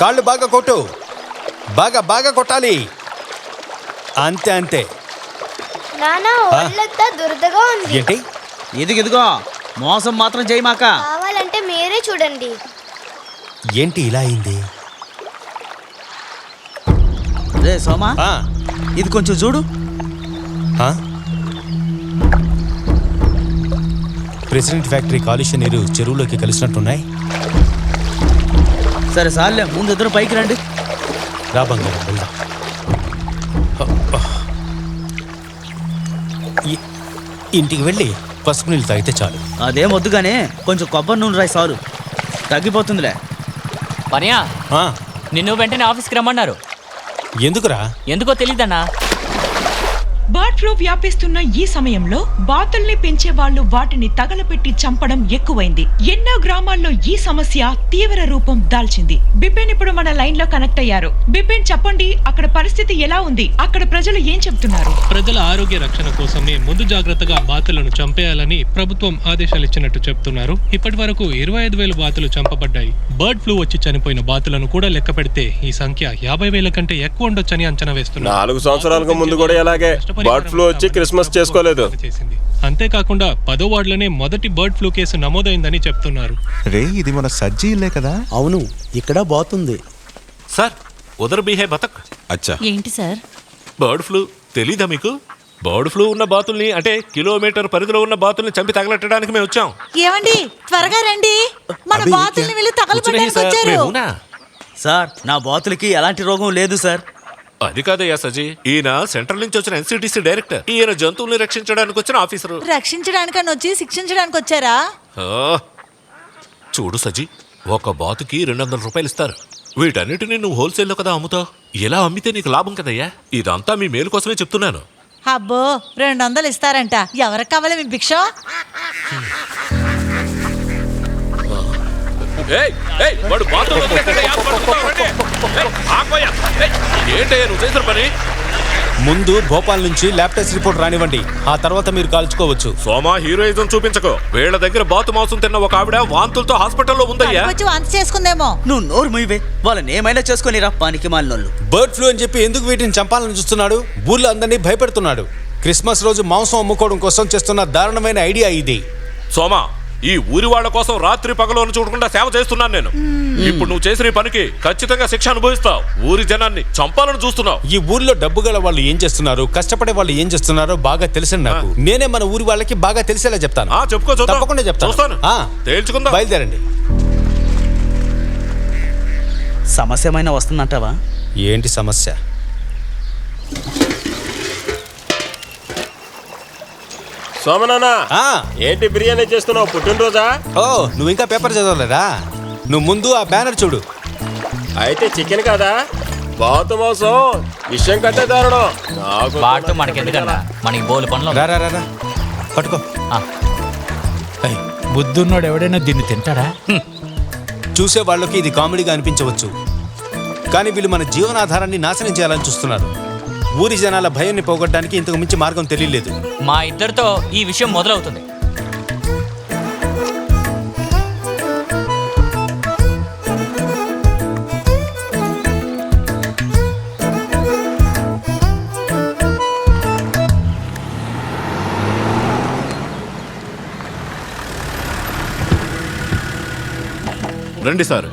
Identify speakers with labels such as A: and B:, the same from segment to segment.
A: కాళ్ళు బాగా కొట్టు, బాగా బాగా కొట్టాలి. అంతే అంతే.
B: నానా ఒళ్ళంతా దురదగా ఉంది.
A: ఏంటి?
C: ఇదిగో మోసం మాత్రం చేయమాక.
B: కావాలంటే మీరే చూడండి.
A: ఏంటి ఇలా అయింది?
C: రే సోమా, ఇది కొంచెం చూడు.
A: ప్రెసిడెంట్ ఫ్యాక్టరీ కాలుష్య నీరు చెరువులోకి కలిసినట్టున్నాయి.
C: సరే సార్లే, ముందు ఇద్దరు పైకి రండి.
A: రా బంగారం, వెళ్దాం. ఇంటికి వెళ్ళి పసుపు నీళ్ళు తాగితే చాలు.
C: అదేం వద్దుగానే కొంచెం కొబ్బరి నూనె రాయి సారు, తగ్గిపోతుందిలే.
D: పనియా, నిన్ను వెంటనే ఆఫీస్కి రమ్మన్నారు.
A: ఎందుకురా?
D: ఎందుకో తెలీదన్నా.
E: బర్డ్ ఫ్లూ వ్యాపిస్తున్న ఈ సమయంలో బాతుల్ని పెంచే వాళ్ళు వాటిని తగలపెట్టి చంపడం ఎక్కువైంది. ఎన్నో గ్రామాల్లో ఈ సమస్య తీవ్ర రూపం దాల్చింది. బిపిన్ ఇప్పుడు మన లైన్ లో కనెక్ట్ అయ్యారు. బిపిన్, చెప్పండి, అక్కడ పరిస్థితి ఎలా ఉంది? అక్కడ ప్రజలు ఏం చెప్తున్నారు?
F: ప్రజల ఆరోగ్య రక్షణ కోసమే ముందు జాగ్రత్తగా బాతులను చంపేయాలని ప్రభుత్వం ఆదేశాలు ఇచ్చినట్టు చెప్తున్నారు. ఇప్పటి వరకు 25,000 బాతులు చంపబడ్డాయి. బర్డ్ ఫ్లూ వచ్చి చనిపోయిన బాతులను కూడా లెక్క పెడితే ఈ సంఖ్య 50,000 కంటే ఎక్కువ ఉండొచ్చని అంచనా వేస్తున్నారు.
G: 4 సంవత్సరాలకు ముందు కూడా ఇలాగే బర్డ్ ఫ్లూ వచ్చి క్రిస్మస్ చేసుకోలేదు.
F: అంతేకాకుండా 10వ వార్డులోనే మొదటి బర్డ్ ఫ్లూ కేసు నమోదైందని చెప్తున్నారు.
H: రే, ఇది మన సజ్జీ ఇల్లే కదా?
I: అవును, ఇక్కడ బాతుంది.
J: సార్, ఉదర్ బీహే బతక్.
H: అచ్చా,
K: ఏంటి సార్?
J: బర్డ్ ఫ్లూ తెలీదా మీకు? బర్డ్ ఫ్లూ ఉన్న బాతుల్ని, అంటే కిలోమీటర్ పరిధిలో ఉన్న బాతుల్ని చంపి తగలెట్టడానికి మేము వచ్చాం.
K: ఏమండి, త్వరగా రండి, మన బాతుల్ని వెళ్ళి తగలబెట్టడానికి వచ్చారు.
C: సార్, నా బాతులకి ఎలాంటి రోగం లేదు సార్.
J: అది కాదయ్యా సజీ, ఈయన సెంట్రల్ నుంచి వచ్చిన ఎన్సిటిసి డైరెక్టర్. ఈయన జంతువుల్ని రక్షించడానికి వచ్చిన ఆఫీసరు.
K: రక్షించడానికని వచ్చి శిక్షించడానికి వచ్చారా?
J: చూడు సజీ, ఒక బాతుకి 200 రూపాయలు ఇస్తారు. వీటన్నిటిని నువ్వు హోల్సేల్లో కదా అమ్ముతావు. ఇలా అమ్మితే నీకు లాభం కదయ్యా. ఇదంతా మీ మేలు కోసమే చెప్తున్నాను.
K: అబ్బో, 200 ఇస్తారంట. ఎవరికి కావాలి మీ భిక్ష?
A: ముందు భోపాల్ నుంచి ల్యాబ్ టెస్ట్ రిపోర్ట్ రానివ్వండి, ఆ తర్వాత మీరు కాల్చుకోవచ్చు.
J: సోమా, హీరోయిజం చూపించకు. వీళ్ళ దగ్గర బాతు మాంసం తిన్న ఒక ఆవిడ వాంతులతో హాస్పిటల్లో ఉందయ్యా.
K: వాంతి చేసుకుందేమో.
C: నువ్వు నోరు మూయవే, వాళ్ళని ఏమైనా చేసుకుని రా పానికి మాలినోళ్ళు.
A: బర్డ్ ఫ్లూ అని చెప్పి ఎందుకు వీటిని చంపాలని చూస్తున్నాడు? ఊర్లో అందరినీ భయపెడుతున్నాడు. క్రిస్మస్ రోజు మాంసం అమ్ముకోవడం కోసం చేస్తున్న దారుణమైన ఐడియా ఇది.
J: సోమా, ఈ ఊరి వాళ్ళ కోసం రాత్రి పగలను చూడకుండా సేవ చేస్తున్నాను నేను. ఇప్పుడు నువ్వు చేసిన ఈ పనికి ఖచ్చితంగా శిక్ష అనుభవిస్తావు. ఊరి జనాన్ని చంపాలని చూస్తున్నావు.
A: ఈ ఊర్లో డబ్బు గల వాళ్ళు ఏం చేస్తున్నారు, కష్టపడే వాళ్ళు ఏం చేస్తున్నారో బాగా తెలిసిన నాకు. నేనే మన ఊరి వాళ్ళకి బాగా తెలిసేలా చెప్తాను.
J: చెప్పుకో,
A: తప్పకుండా చెప్తాను.
J: తేల్చుకుందాం.
A: బయలుదేరండి.
C: సమస్య ఏమైనా వస్తుందంటావా?
A: ఏంటి సమస్య?
G: సోమనానా, ఏంటి బిర్యానీ చేస్తున్నావు? పుట్టినరోజా?
A: ఓ, నువ్వు ఇంకా పేపర్ చదవలేదా? నువ్వు ముందు ఆ బ్యానర్ చూడు.
G: అయితే చికెన్ కదా? బాతు మాంసం విషయం కంటే దారుణం.
D: బాటు మనకెందుకన్నా, మనకి బోలు పనులు.
A: రా పట్టుకో.
I: బుద్ధున్నోడు ఎవడైనా దీన్ని తింటాడా?
A: చూసే వాళ్ళకి ఇది కామెడీగా అనిపించవచ్చు, కానీ వీళ్ళు మన జీవనాధారాన్ని నాశనం చేయాలని చూస్తున్నారు. ఊరి జనాల భయాన్ని పోగొట్టడానికి ఇంతకు మించి మార్గం తెలియలేదు.
D: మా ఇద్దరితో ఈ విషయం మొదలవుతుంది.
J: రండి సార్.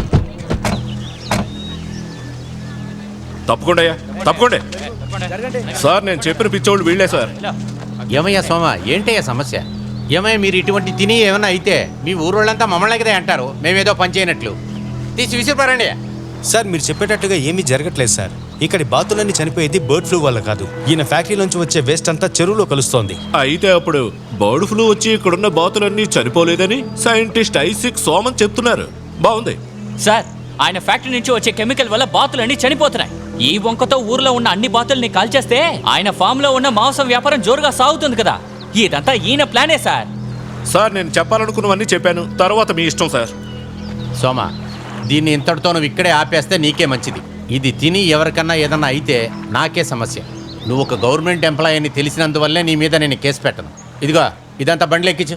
J: తప్పకుండా తప్పకుండా సార్, నేను చెప్పిన పిచ్చోళ్ళు వీళ్ళే సార్.
L: ఏమయ్యా సోమ, ఏంటయ్యా సమస్య? ఏమయ్యా, మీరు ఇటువంటి తిని ఏమన్నా అయితే మీ ఊరోళ్ళంతా మమ్మల్ని కదా అంటారు, మేమేదో పని చేయనట్లు. తీసి విసిరిపారండి.
A: సార్, మీరు చెప్పేటట్టుగా ఏమీ జరగట్లేదు సార్. ఇక్కడి బాతులన్నీ చనిపోయేది బర్డ్ ఫ్లూ వల్ల కాదు. ఈయన ఫ్యాక్టరీ నుంచి వచ్చే వేస్ట్ అంతా చెరువులో కలుస్తోంది.
J: అయితే అప్పుడు బర్డ్ ఫ్లూ వచ్చి ఇక్కడున్న బాతులన్నీ చనిపోలేదని సైంటిస్ట్ ఐసిక్ సోమన్ చెప్తున్నారు. బాగుంది
D: సార్. ఆయన ఫ్యాక్టరీ నుంచి వచ్చే కెమికల్ వల్ల బాతులన్నీ చనిపోతున్నాయి. ఈ వంకతో ఊర్లో ఉన్న అన్ని బాతుల్ని కాల్చేస్తే ఆయన ఫామ్ లో ఉన్న మాంసం వ్యాపారం జోరుగా సాగుతుంది కదా. ఇదంతా ఈయన ప్లానే సార్.
J: సార్, నేను చెప్పాలనుకున్నవన్నీ చెప్పాను, తర్వాత మీ ఇష్టం సార్.
L: సోమ, దీన్ని ఇంతటితో నువ్వు ఇక్కడే ఆపేస్తే నీకే మంచిది. ఇది తిని ఎవరికన్నా ఏదన్నా అయితే నాకే సమస్య. నువ్వు ఒక గవర్నమెంట్ ఎంప్లాయీ అని తెలిసినందువల్లే నీ మీద నేను కేసు పెట్టను. ఇదిగో, ఇదంతా బండ్లు ఎక్కించు.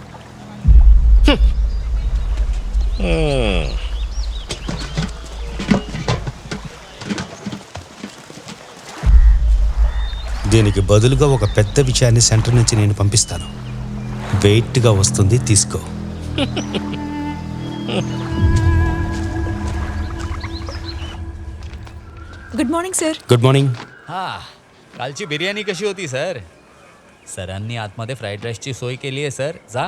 A: దీనికి బదులుగా ఒక పెద్ద విషయాన్ని సెంటర్ నుంచి నేను పంపిస్తాను. వెయిట్గా వస్తుంది, తీసుకో.
K: Good morning sir.
A: Good morning.
M: कालची बिर्याणी कशी होती सर? सरांनी आतमध्ये फ्राईड राईसची सोय केली आहे सर. जा.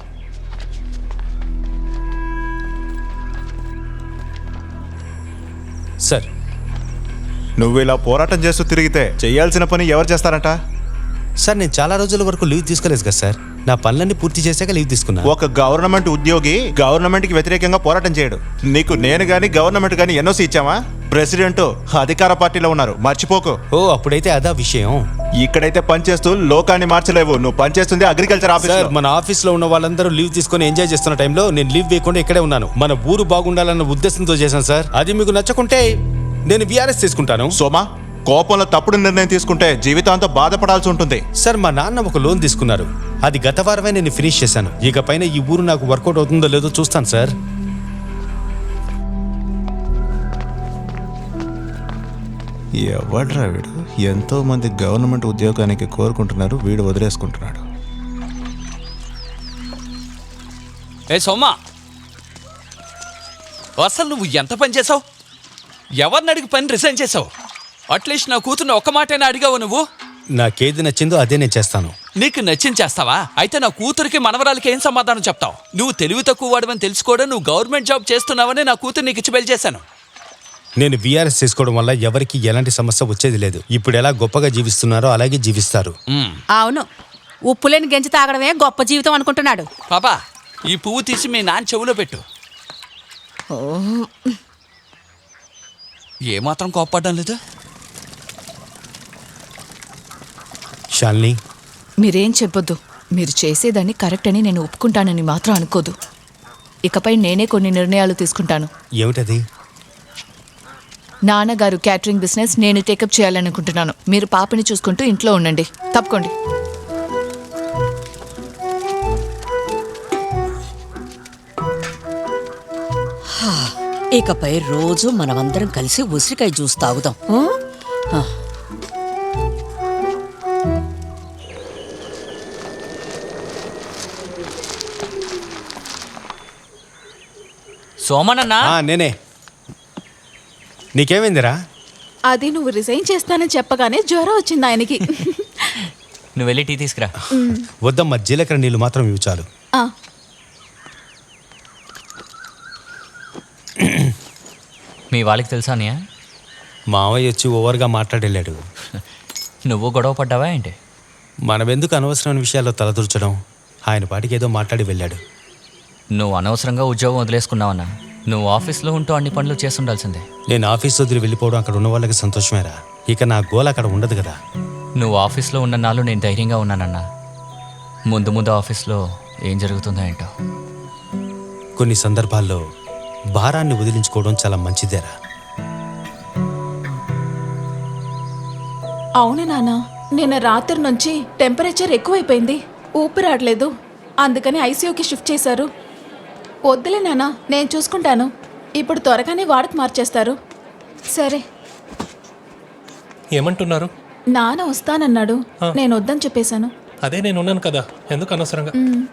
A: సార్,
H: నువ్వు ఇలా పోరాటం చేస్తూ తిరిగితే చేయాల్సిన పని ఎవరు చేస్తారంట?
A: సార్ నేను చాలా రోజుల వరకు లీవ్ తీసుకోలేదు కదా సార్. నా పనులన్నీ పూర్తి చేశాక లీవ్ తీసుకున్నా.
H: ఒక గవర్నమెంట్ ఉద్యోగి గవర్నమెంట్ కి వ్యతిరేకంగా పోరాటం చేయడు. నీకు నేను గాని గవర్నమెంట్ గాని ఎన్ఓసి ఇచ్చామా? ప్రెసిడెంట్ అధికార పార్టీలో ఉన్నారు, మర్చిపోకు.
A: ఓ, అప్పుడైతే అదా విషయం.
H: ఇక్కడైతే పనిచేస్తూ లోకాన్ని మార్చలేవు. నువ్వు పనిచేస్తుంది అగ్రికల్చర్ ఆఫీస్.
A: సార్, మన ఆఫీస్లో ఉన్న వాళ్ళందరూ లీవ్ తీసుకొని ఎంజాయ్ చేస్తున్న టైంలో నేను లీవ్ వేయకుండా ఇక్కడే ఉన్నాను. మన ఊరు బాగుండాలన్న ఉద్దేశంతో చేశాను సార్. అది మీకు నచ్చకుంటే నేను విఆర్ఎస్ తీసుకుంటాను.
H: సోమా, కోపంలో తప్పుడు నిర్ణయం తీసుకుంటే జీవితాంతం బాధపడాల్సి ఉంటుంది.
A: సార్, మా నాన్న ఒక లోన్ తీసుకున్నారు. అది గత వారమే నేను ఫినిష్ చేశాను. ఇక పైన ఈ ఊరు నాకు వర్కౌట్ అవుతుందో లేదో చూస్తాను సార్.
H: ఎవడ్రా వీడు? ఎంతో మంది గవర్నమెంట్ ఉద్యోగానికి కోరుకుంటున్నారు, వీడు వదిలేసుకుంటున్నాడు.
M: ఏ సోమా, అసలు నువ్వు ఎంత పని చేసావు? ఎవరిని అడిగి పని రిజైన్ చేసావు? అట్లీస్ట్ నా కూతుర్ని ఒక్క మాటైనా అడిగావు నువ్వు?
A: నాకేది నచ్చిందో అదే నేను చేస్తాను.
M: నీకు నచ్చింది చేస్తావా? అయితే నా కూతురికి మనవరాలకి ఏం సమాధానం చెప్తావు? నువ్వు తెలివి తక్కువ వాడవని తెలుసుకోవడం, నువ్వు గవర్నమెంట్ జాబ్ చేస్తున్నావని నా కూతురు నీకు ఇచ్చి పెళ్లి చేశాను.
A: నేను విఆర్ఎస్ చేసుకోవడం వల్ల ఎవరికి ఎలాంటి సమస్య వచ్చేది లేదు. ఇప్పుడు ఎలా గొప్పగా జీవిస్తున్నారో అలాగే జీవిస్తారు.
K: అవును, ఉప్పులేని గెంజి తాగడమే గొప్ప జీవితం అనుకుంటున్నాడు.
M: పాపా, ఈ పువ్వు తీసి మీ నాన్న చెవులో పెట్టు. ఏమాత్రం కోప్పడ్డం లేదు.
A: శాలిని,
K: మీరేం చెప్పొద్దు. మీరు చేసేదాన్ని కరెక్ట్ అని నేను ఒప్పుకుంటానని మాత్రం అనుకోదు. ఇకపై నేనే కొన్ని నిర్ణయాలు తీసుకుంటాను.
A: ఏమిటది?
K: నాన్నగారు క్యాటరింగ్ బిజినెస్ నేను టేకప్ చేయాలనుకుంటున్నాను. మీరు పాపని చూసుకుంటూ ఇంట్లో ఉండండి. తప్పుకోండి.
N: ఇకపై రోజు మనమందరం కలిసి ఉసిరికాయ జ్యూస్ తాగుదాం.
D: సోమనన్నా,
A: నేనే. నీకేమైందిరా?
K: అది నువ్వు రిజైన్ చేస్తానని చెప్పగానే జ్వరం వచ్చింది ఆయనకి.
D: నువ్వు వెళ్ళి టీ తీసుకురా.
A: వద్దమ్మా, జీలకర్ర నీళ్ళు మాత్రం ఇవి చాలు.
D: మీ వాళ్ళకి తెలుసా అన్నయ్య?
A: మావయ్య వచ్చి ఓవర్గా మాట్లాడేళ్ళాడు.
D: నువ్వు గొడవ పడ్డావా ఏంటి?
A: మనమెందుకు అనవసరమైన విషయాల్లో తలదూర్చడం? ఆయన పాటికి ఏదో మాట్లాడి వెళ్ళాడు.
D: నువ్వు అనవసరంగా ఉద్యోగం వదిలేసుకున్నావన్నా. నువ్వు ఆఫీస్లో ఉంటూ అన్ని పనులు చేసి ఉండాల్సిందే.
A: నేను ఆఫీస్ వదిలి వెళ్ళిపోవడం అక్కడ ఉన్న వాళ్ళకి సంతోషమేరా. ఇక నా గోల్ అక్కడ ఉండదు కదా.
D: నువ్వు ఆఫీస్లో ఉన్న నాళ్ళు నేను ధైర్యంగా ఉన్నానన్నా. ముందు ముందు ఆఫీస్లో ఏం జరుగుతుందో ఏంటో.
A: కొన్ని సందర్భాల్లో భారాన్ని వదిలించుకోవడం చాలా మంచిదేరా.
K: అవును నాన్న, నిన్న రాత్రి నుంచి టెంపరేచర్ ఎక్కువైపోయింది. ఊపిరాడలేదు. అందుకని ఐసీయూకి షిఫ్ట్ చేశారు. వద్దులే నాన్న, నేను చూసుకుంటాను. ఇప్పుడు త్వరగానే వాడకు మార్చేస్తారు. సరే.
F: ఏమంటున్నారు?
K: నాన్న వస్తానన్నాడు. నేను వద్దని చెప్పేశాను.
F: అదే నేను ఉన్నాను కదా, ఎందుకు అనవసరంగా?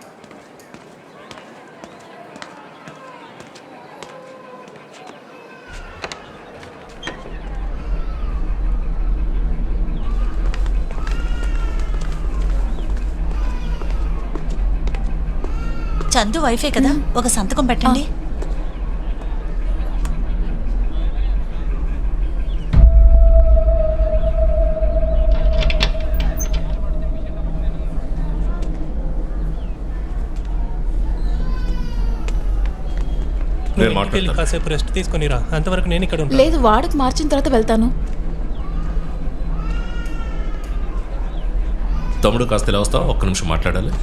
N: చందు వైఫే కదా, ఒక సంతకం పెట్టండి.
F: కాసేపు రెస్ట్ తీసుకొని రా, అంతవరకు నేను ఇక్కడ ఉంటాను.
K: లేదు, వాడకు మార్చిన తర్వాత వెళ్తాను.
J: తమ్ముడు కాస్త ఇలా వస్తావా? ఒక్క నిమిషం మాట్లాడాలి.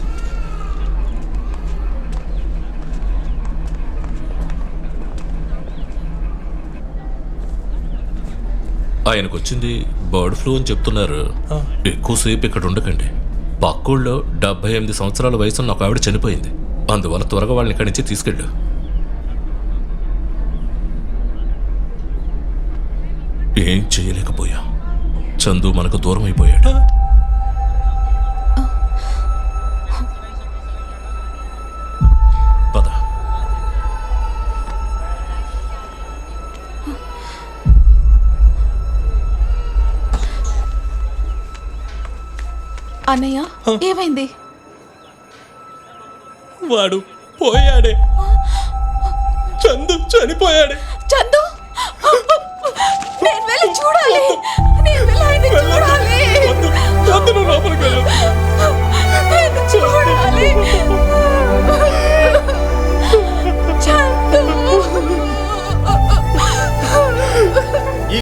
J: ఆయనకు వచ్చింది బర్డ్ ఫ్లూ అని చెప్తున్నారు. ఎక్కువసేపు ఇక్కడ ఉండకండి. పక్కూళ్ళో 78 సంవత్సరాల వయసున్న ఒక ఆవిడ చనిపోయింది. అందువల్ల త్వరగా వాళ్ళని ఇక్కడి నుంచి తీసుకెళ్ళు. ఏం చేయలేకపోయా. చందు మనకు దూరం అయిపోయాడు. పద.
K: అన్నయ్య ఏమైంది?
F: వాడు పోయాడే. చందు చనిపోయాడే.
K: చందు నేను వెళ్ళి చూడాలి. నేను వెళ్ళి ఆయన్ని చూడాలి.